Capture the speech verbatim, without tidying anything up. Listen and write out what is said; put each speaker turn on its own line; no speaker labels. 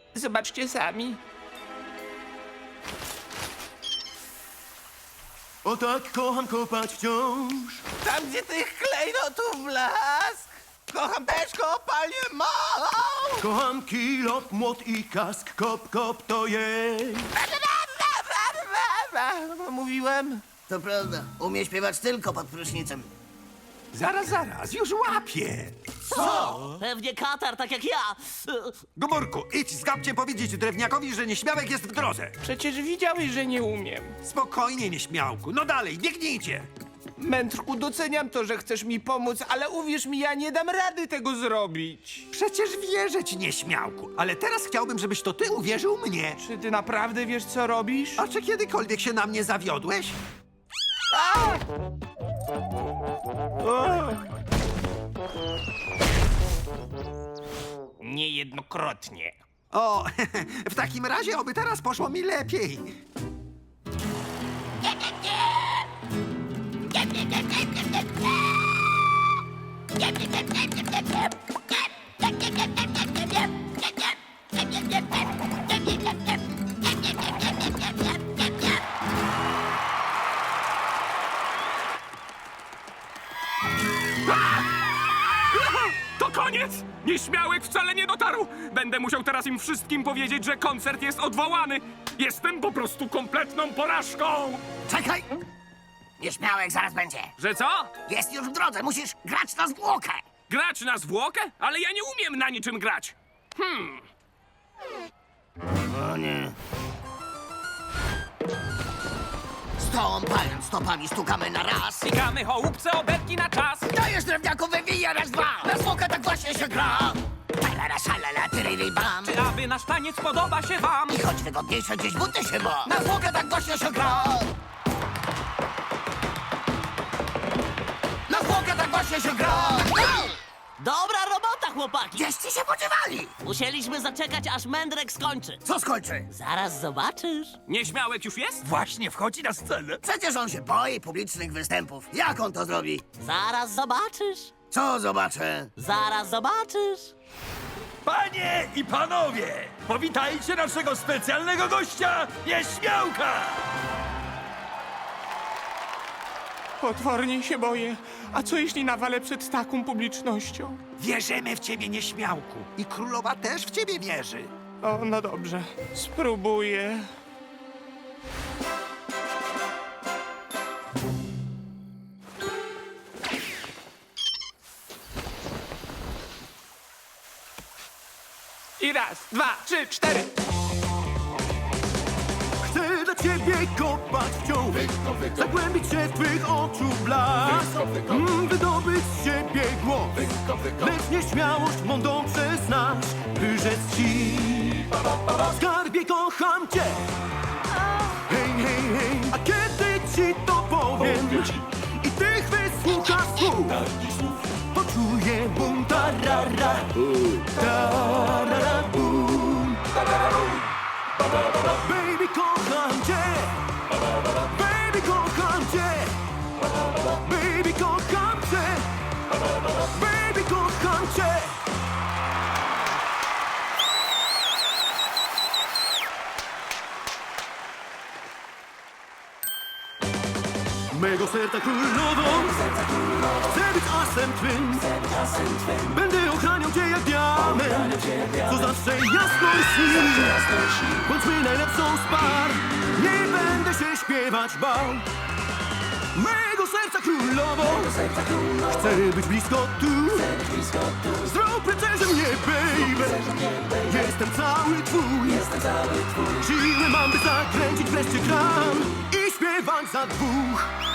Zobaczcie sami.
O tak kocham kopać wciąż.
Tam, gdzie tych klejnotów blask. Kocham też kopalnię małą.
Kocham kilop, młot i kask. Kop, kop to jej.
Mówiłem.
To prawda, umie śpiewać tylko pod prysznicem.
Zaraz, zaraz, już łapię.
Pewnie katar, tak jak ja.
Gomorku, idź z Gabciem powiedzieć drewniakowi, że nieśmiałek jest w drodze.
Przecież widziałeś, że nie umiem.
Spokojnie, nieśmiałku. No dalej, biegnijcie.
Mędrku, doceniam to, że chcesz mi pomóc, ale uwierz mi, ja nie dam rady tego zrobić.
Przecież wierzę ci, nieśmiałku. Ale teraz chciałbym, żebyś to ty uwierzył mnie.
Czy ty naprawdę wiesz, co robisz?
A czy kiedykolwiek się na mnie zawiodłeś?
Niejednokrotnie.
O, w takim razie oby teraz poszło mi lepiej.
To koniec! Nieśmiałek wcale nie dotarł! Będę musiał teraz im wszystkim powiedzieć, że koncert jest odwołany! Jestem po prostu kompletną porażką!
Czekaj! Nieśmiałek zaraz będzie.
Że co?
Jest już w drodze, musisz grać na zwłokę.
Grać na zwłokę? Ale ja nie umiem na niczym grać!
O nie. Stąpając stopami stukamy na raz.
Psikamy chołupce obetki na czas!
Dajesz drewniaku, wywija raz, dwa. Na zwłokę tak właśnie się gra. Talala, szalala, tyrili, bam.
Czy aby nasz taniec podoba się wam?
I choć wygodniejsze gdzieś buty się ma. Na zwłokę tak właśnie się gra. Na zwłokę tak właśnie się gra.
Dobra robota, chłopaki.
Gdzieście się podziewali?
Musieliśmy zaczekać, aż Mędrek skończy.
Co skończy?
Zaraz zobaczysz.
Nieśmiałek już jest?
Właśnie wchodzi na scenę.
Przecież on się boi publicznych występów. Jak on to zrobi?
Zaraz zobaczysz.
Co zobaczę?
Zaraz zobaczysz.
Panie i panowie, powitajcie naszego specjalnego gościa, Nieśmiałka!
Potwornie się boję. A co jeśli nawalę przed taką publicznością?
Wierzymy w ciebie, nieśmiałku. I królowa też w ciebie wierzy.
O, no dobrze. Spróbuję. I raz, dwa, trzy, cztery.
Chcę dla ciebie kopać wciąż. Zagłębić się w twych oczu blask. Mm, wydobyć z siebie głos. Lecz nieśmiałość mądą przez nas. By rzec ci, skarbie, kocham cię. Hej, hej, hej. A kiedy ci to powiem i tych wysłuchasz słów, poczuję bum, tarara, tarara, bum. Baby, kocham cię. Baby, kocham cię. Baby, kocham cię. Baby, kocham cię. Mego serca królową, chcę być asem twym. Będę ochraniał cię jak diament, co zawsze jasno śni. Bądźmy najlepszą z par, nie będę się śpiewać bał. Mego serca królową, chcę być blisko tu. Zrób rycerzem mnie, baby. Jestem cały twój. Siły mam, by zakręcić wreszcie kran i śpiewać za dwóch.